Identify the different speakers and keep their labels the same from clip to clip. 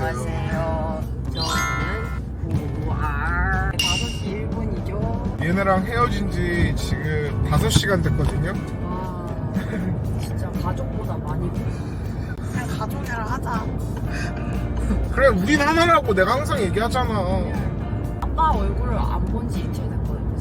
Speaker 1: 안녕하세요.
Speaker 2: 안녕하세요. 저는 5R 5시 1분이죠.
Speaker 1: 얘네랑 헤어진 지 지금 5시간 됐거든요.
Speaker 2: 와, 진짜 가족보다 많이
Speaker 3: 그냥 가족이라 하자.
Speaker 1: 그래, 우린 하나라고 내가 항상 얘기하잖아.
Speaker 2: 아빠 얼굴을 안 본 지 이틀 됐거든요,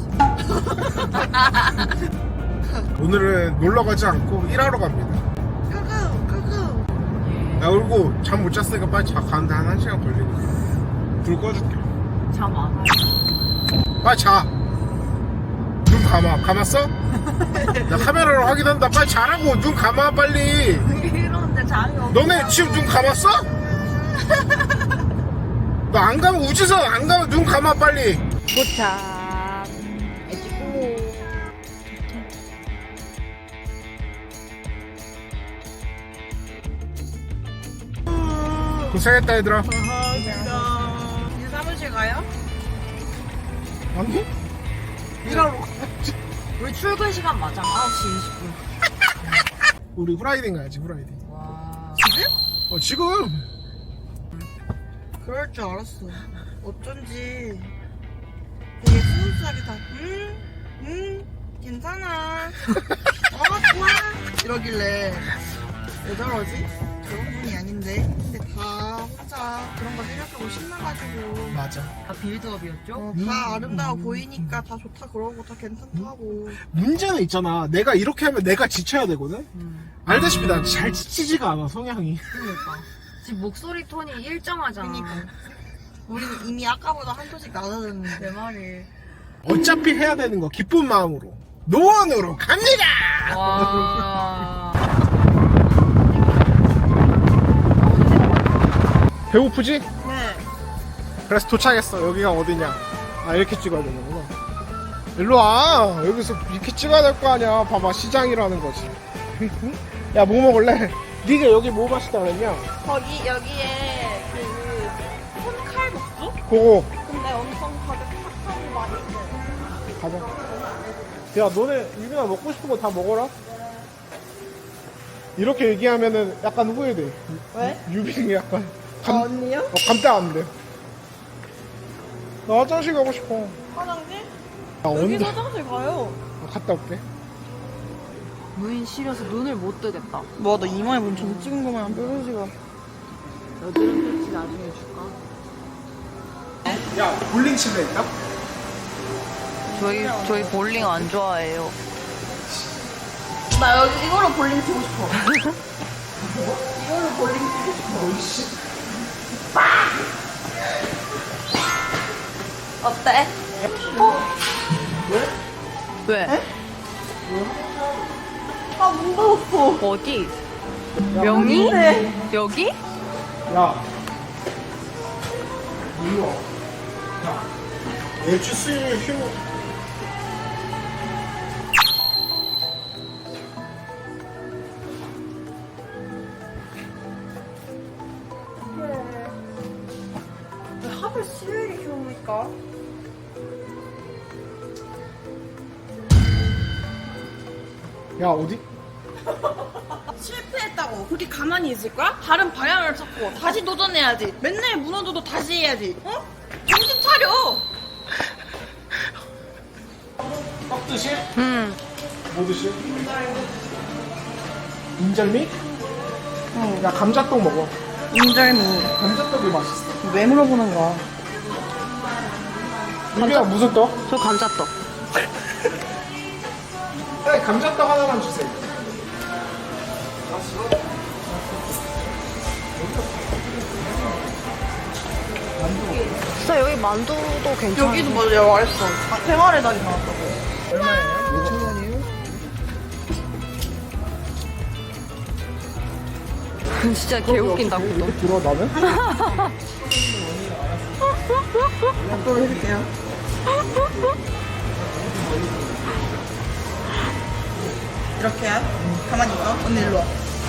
Speaker 2: 지금.
Speaker 1: 오늘은 놀러 가지 않고 일하러 갑니다.
Speaker 3: 끄끄.
Speaker 1: 나 울고 잠 못 잤으니까 빨리 자. 가는데 한 1시간 걸리거든. 불 꺼줄게.
Speaker 2: 잠 안 와요.
Speaker 1: 빨리 자. 눈 감아. 감았어? 나 카메라로 확인한다. 빨리 자라고. 눈 감아 빨리.
Speaker 3: 이러는데 잠이 없어.
Speaker 1: 너네 지금 눈 감았어? 너 안 감아. 우지선 안 감아. 눈 감아 빨리.
Speaker 2: 도착. 애기고.
Speaker 1: 고생했다 얘들아.
Speaker 3: 이제 사무실 가요?
Speaker 1: 아니? 일하러 가야지.
Speaker 2: 우리 출근 시간 맞아. 9시 20분.
Speaker 1: 우리 후라이딩 가야지. 후라이딩.
Speaker 2: 와.
Speaker 1: 지금?
Speaker 3: 그럴 줄 알았어. 어쩐지 되게 스무스하게 다 괜찮아. 좋아 이러길래 왜 저러지? 저런 분이 아닌데. 근데 다 혼자 그런 거 생각하고 신나가지고
Speaker 1: 맞아.
Speaker 2: 아, 빌드업이었죠?
Speaker 3: 다 아름다워 보이니까 다 좋다 그러고 다 괜찮다고.
Speaker 1: 문제는 있잖아. 내가 이렇게 하면 내가 지쳐야 되거든? 알다시피 난 잘 지치지가 않아, 성향이.
Speaker 2: 그러니까. 지금 목소리 톤이 일정하잖아.
Speaker 3: 그러니까. 우리는 이미 아까보다 한 도씩 낮아졌는데.
Speaker 2: 내 말이.
Speaker 1: 어차피 해야 되는 거 기쁜 마음으로 노원으로 갑니다!
Speaker 2: 와.
Speaker 1: 배고프지?
Speaker 3: 네.
Speaker 1: 그래서 도착했어. 여기가 어디냐? 아, 이렇게 찍어야 되는구나. 일로 와. 여기서 이렇게 찍어야 될 거 아니야. 봐봐, 시장이라는 거지. 야, 뭐 먹을래? 니가 여기 뭐 맛있다 그랬냐?
Speaker 3: 여기에 그 손칼국수?
Speaker 1: 그거
Speaker 3: 근데 엄청 가격 착하고 맛있어요.
Speaker 1: 가자. 야, 너네 유빈아 먹고 싶은 거 다 먹어라. 이렇게 얘기하면은 약간 후회돼.
Speaker 3: 왜?
Speaker 1: 유빈이 약간
Speaker 3: 언니요?
Speaker 1: 감당 안 돼. 나 화장실 가고 싶어.
Speaker 3: 화장실?
Speaker 1: 나
Speaker 3: 여기
Speaker 1: 온다.
Speaker 3: 화장실 가요.
Speaker 1: 갔다 올게.
Speaker 2: 무인 시려서 눈을 못 뜨겠다.
Speaker 3: 뭐, 너 이마에 문좀 찍은 거만 뾰루지가.
Speaker 2: 여드름 패치 나중에 줄까?
Speaker 1: 야, 볼링 칠래 있다?
Speaker 2: 저희 볼링 안 좋아해요.
Speaker 3: 나 여기 이걸로 볼링 치고 싶어. 이걸로 볼링 치고 싶어. 어때?
Speaker 2: 왜?
Speaker 3: 아, 무서웠어.
Speaker 2: 어디? 명이?
Speaker 3: 네.
Speaker 2: 여기?
Speaker 1: 야, 일로 와. 야, 매주 수요일 휴무.
Speaker 3: 왜 하루 수요일이 좋으니까?
Speaker 1: 야, 어디?
Speaker 3: 실패했다고 그렇게 가만히 있을 거야? 다른 방향을 찾고 다시 도전해야지. 맨날 무너져도 다시 해야지. 어? 정신 차려.
Speaker 1: 떡 드실?
Speaker 2: 응.
Speaker 1: 뭐 드실? 인절미? 응. 야, 감자떡 먹어.
Speaker 3: 인절미.
Speaker 1: 감자떡이 맛있어.
Speaker 3: 왜 물어보는 거야?
Speaker 1: 유빈아, 무슨 떡?
Speaker 2: 저 감자떡.
Speaker 1: 네, 감자떡 하나만 주세요.
Speaker 2: 진짜 여기 만두도 괜찮아.
Speaker 3: 여기도 맞아, 맛있어. 생활의 달이 나왔다고.
Speaker 1: 얼마예요? 5,000원이에요?
Speaker 2: 진짜 개웃긴다, 그거.
Speaker 1: 이렇게 들어, 나는?
Speaker 3: 앞으로 해줄게요. 이렇게 해? 가만히 있어. 언니 일로 와.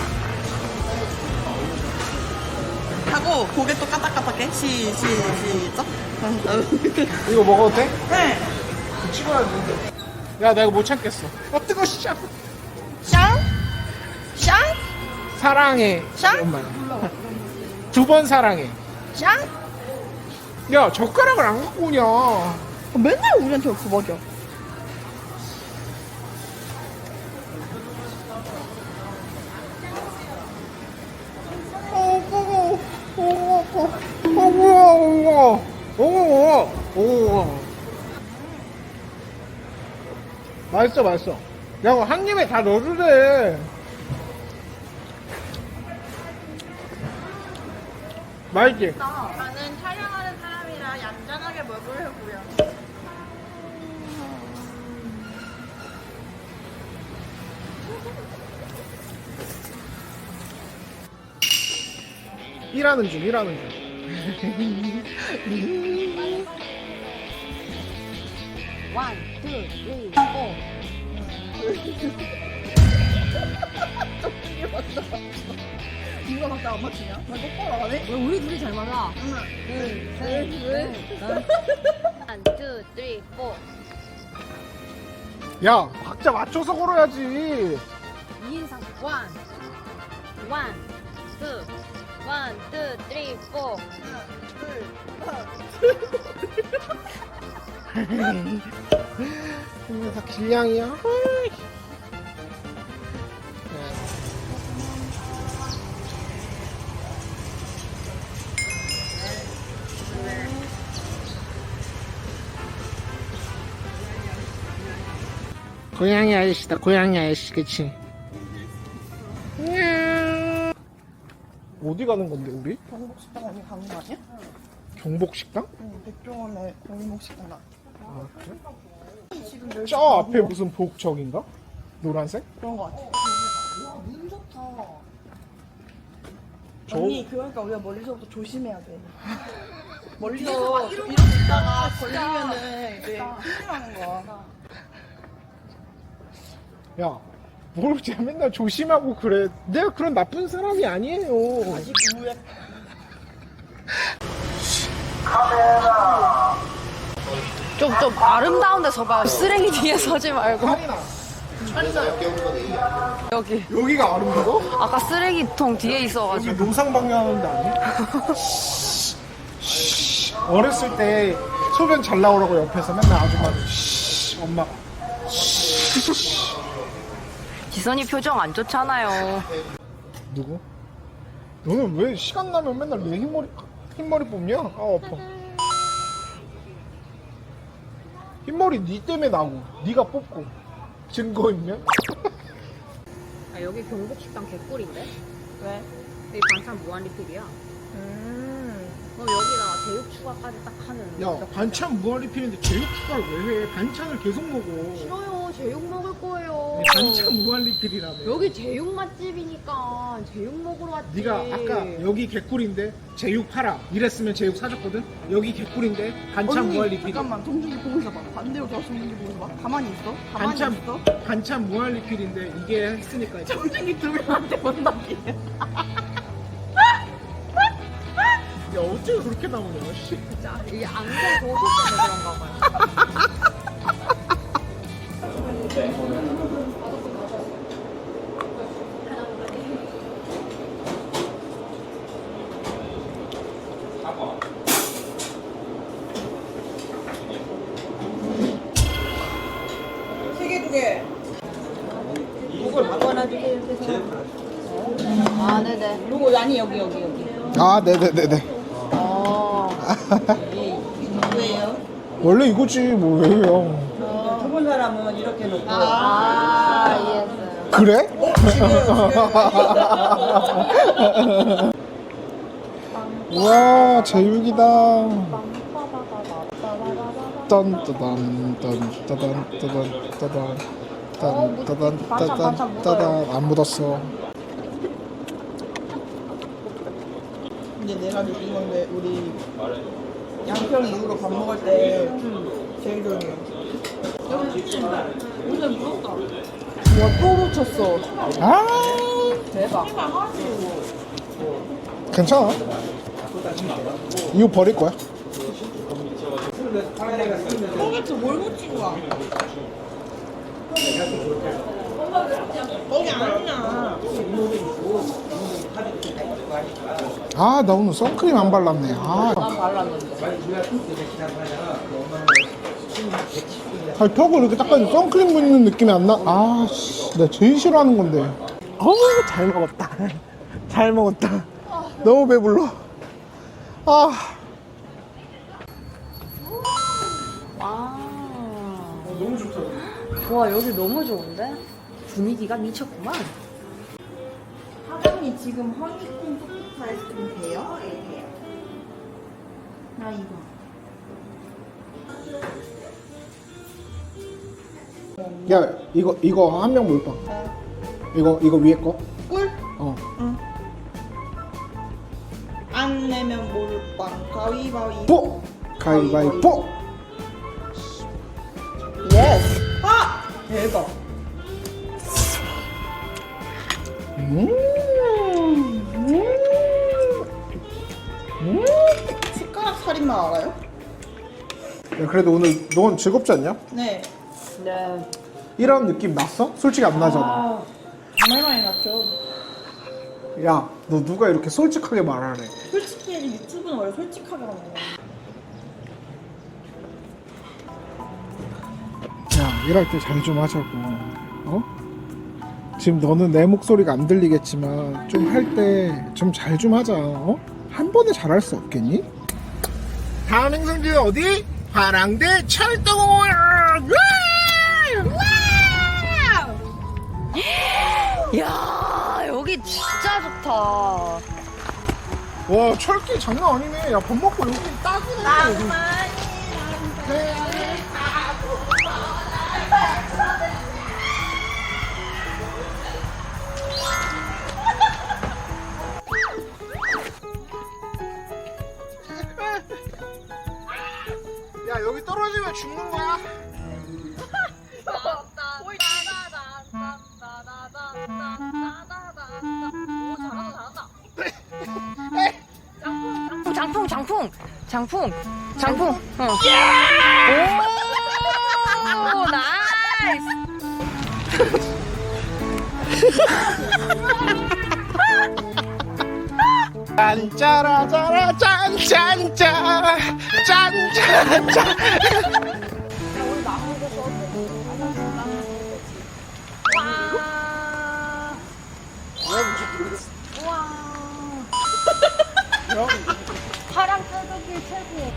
Speaker 3: 하고 고개 또 까딱까딱해. 시작.
Speaker 1: 이거 먹어도 돼?
Speaker 3: 네.
Speaker 1: 찍어야지. 야, 나 이거 못 참겠어. 뜨거워, 씨.
Speaker 3: 샹? 샹?
Speaker 1: 사랑해.
Speaker 3: 샹?
Speaker 1: 엄마야. 두 번 사랑해.
Speaker 3: 짱?
Speaker 1: 야 젓가락을 안 갖고 오냐.
Speaker 3: 맨날 우리한테 없어 먹여.
Speaker 1: 맛있어 맛있어. 야 그거 한 입에 다 넣어주래. 맛있지?
Speaker 3: 나는 촬영하는 사람이라 얌전하게 먹으려고요.
Speaker 1: 일하는 중 일하는 중.
Speaker 2: 원, 투, 쓰리, 포.
Speaker 3: 누가 막다 안 맞추냐? 나 똑바로 안 해?
Speaker 2: 왜 우리 둘이 잘 맞아?
Speaker 3: 하나,
Speaker 2: 둘,
Speaker 3: 셋,
Speaker 2: 넷. 원, 투, 쓰리, 포.
Speaker 1: 야 각자 맞춰서 걸어야지.
Speaker 2: 2인상 원. 원, 투. 원, 투, 쓰리, 포.
Speaker 1: 이거 다 길냥이야. 고양이 아저씨다 고양이 아저씨 그치. 어디 가는 건데 우리?
Speaker 3: 경복식당 어디 가는 거 아니야?
Speaker 1: 경복식당?
Speaker 3: 응, 백종원의 골목식당 나.
Speaker 1: 아 그래?
Speaker 3: 지금 여기
Speaker 1: 저 앞에 무슨 복적인가? 노란색?
Speaker 3: 그런 거 같아. 눈 좋다.
Speaker 1: 저-
Speaker 3: 언니 그러니까 우리가 멀리서부터 조심해야 돼. 멀리서 이렇게 있다가 걸리면은 이제 큰일 나는 거야.
Speaker 1: 야, 뭘 제가 맨날 조심하고 그래. 내가 그런 나쁜 사람이 아니에요.
Speaker 3: 아직 우에
Speaker 2: 좀 아름다운 데 서봐. 쓰레기 뒤에 서지 말고. 여기.
Speaker 1: 여기가 아름다워?
Speaker 2: 아까 쓰레기통 뒤에 있어가지고.
Speaker 1: 여기 노상방뇨하는 데 아니야? 어렸을 때 소변 잘 나오라고 옆에서 맨날 아줌마들 엄마가
Speaker 2: 지선이 표정 안 좋잖아요.
Speaker 1: 누구? 너는 왜 시간 나면 맨날 내 흰머리 뽑냐? 아 아파. 흰머리 니 때문에 나고 니가 뽑고 증거 있면?
Speaker 2: 아, 여기 경복식당 개꿀인데?
Speaker 3: 왜?
Speaker 2: 여기 반찬 무한 리필이야. 그럼 여기다 제육 추가까지 딱 하면.
Speaker 1: 야 반찬 무한리필인데 제육 추가를 왜 해? 반찬을 계속 먹어.
Speaker 2: 싫어요. 제육 먹을 거예요.
Speaker 1: 반찬 무한리필이라며.
Speaker 2: 여기 제육 맛집이니까 제육 먹으러 왔지.
Speaker 1: 네가 아까 여기 개꿀인데 제육 팔아 이랬으면 제육 사줬거든. 여기 개꿀인데 반찬
Speaker 3: 언니
Speaker 1: 무한리필.
Speaker 3: 잠깐만 동준이 보고 있어봐. 반대로 저 동준이 보고 있어봐. 가만히 있어. 가만히
Speaker 1: 반찬
Speaker 3: 있어.
Speaker 1: 반찬 무한리필인데 이게 했으니까 이제.
Speaker 3: 동준이 두 명한테 못나게.
Speaker 1: 야 어째 그렇게 나오냐 씨.
Speaker 2: 진짜 이게 안경 도서 때문에 그런가 봐요.
Speaker 3: 세개 두 개.
Speaker 2: 아, 네네.
Speaker 3: 요거 아니 여기.
Speaker 1: 아 네네네네.
Speaker 2: 어.
Speaker 3: 왜요?
Speaker 1: 원래 이거지 뭐 왜요?
Speaker 3: 좁은 사람은 이렇게 놓고.
Speaker 2: 아, 이해했어요.
Speaker 1: 그래? 와 제육이다. 딴따단 딴따단 따단 따단 따단 따단 따단 안 묻었어.
Speaker 3: 근데 내가 느낀 건데 우리 양평 이후로 밥 먹을 때 제일 조용해. 오늘 무섭다. 와, 또 놓쳤어.
Speaker 1: 아
Speaker 3: 대박.
Speaker 1: 괜찮아. 이거 버릴 거야.
Speaker 3: 똥에서 뭘 묻힌 거야? 거기 아니야.
Speaker 1: 아, 나 오늘 선크림 안 발랐네. 아,
Speaker 2: 난 발랐는데.
Speaker 1: 아니, 턱을 이렇게 닦았는데 선크림 묻는 느낌이 안 나. 아, 씨, 내가 제일 싫어하는 건데. 어우, 잘 먹었다. 잘 먹었다. 너무 배불러. 아,
Speaker 2: 와.
Speaker 1: 너무 좋다.
Speaker 2: 와, 여기 너무 좋은데? 분위기가 미쳤구만.
Speaker 3: 사장님 지금 허니콤 소프트 아이스크림 돼요? 예, 돼요. 나 이거.
Speaker 1: 야, 이거 한 명 몰빵. 이거 위에 거?
Speaker 3: 꿀?
Speaker 1: 어.
Speaker 3: 안 내면 몰빵 가위바위보.
Speaker 1: 뽀! 가위바위보!
Speaker 3: 예스. 아 대박. 숟가락 살인만 알아요?
Speaker 1: 야, 그래도 오늘 넌 즐겁지 않냐?
Speaker 3: 네.
Speaker 2: 네.
Speaker 1: 이런 느낌 났어? 솔직히 안 나잖아.
Speaker 3: 아 정말 많이 났죠.
Speaker 1: 야, 너 누가 이렇게 솔직하게 말하래?
Speaker 3: 솔직히 유튜브는 원래 솔직하게 하는 거야.
Speaker 1: 야, 일할 때 잘 좀 하자고. 어? 지금 너는 내 목소리가 안 들리겠지만 좀 할 때 좀 잘 좀 하자. 어? 한 번에 잘할 수 없겠니? 다음 행성지는 어디? 화랑대 철도공원.
Speaker 2: 야, 여기 진짜 좋다.
Speaker 1: 와, 철길 장난 아니네. 야, 밥 먹고 여기 딱이네. 여기. 야, 여기 떨어지면 죽는 거야.
Speaker 2: 장풍. 어. 오, 나이스.
Speaker 1: 짠짜라짜라 짠짠짜 짠짠짜.
Speaker 2: 파랑 뜯기 최고.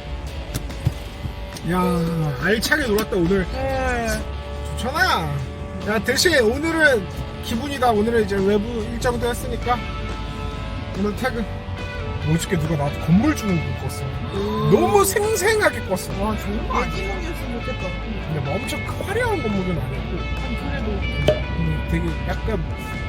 Speaker 1: 야, 알차게 놀았다 오늘. 좋잖아. 야, 대신 오늘은 기분이다. 오늘은 이제 외부 일정도 했으니까 오늘 퇴근. 어저께 누가 나한테 건물 주는 거 꿨어. 너무 생생하게 꿨어. 와, 좋은 거 아니야?
Speaker 3: 애기몽이었으면 좋겠다.
Speaker 1: 근데 뭐 엄청 화려한 건물은 아니었고.
Speaker 3: 그래도
Speaker 1: 되게 약간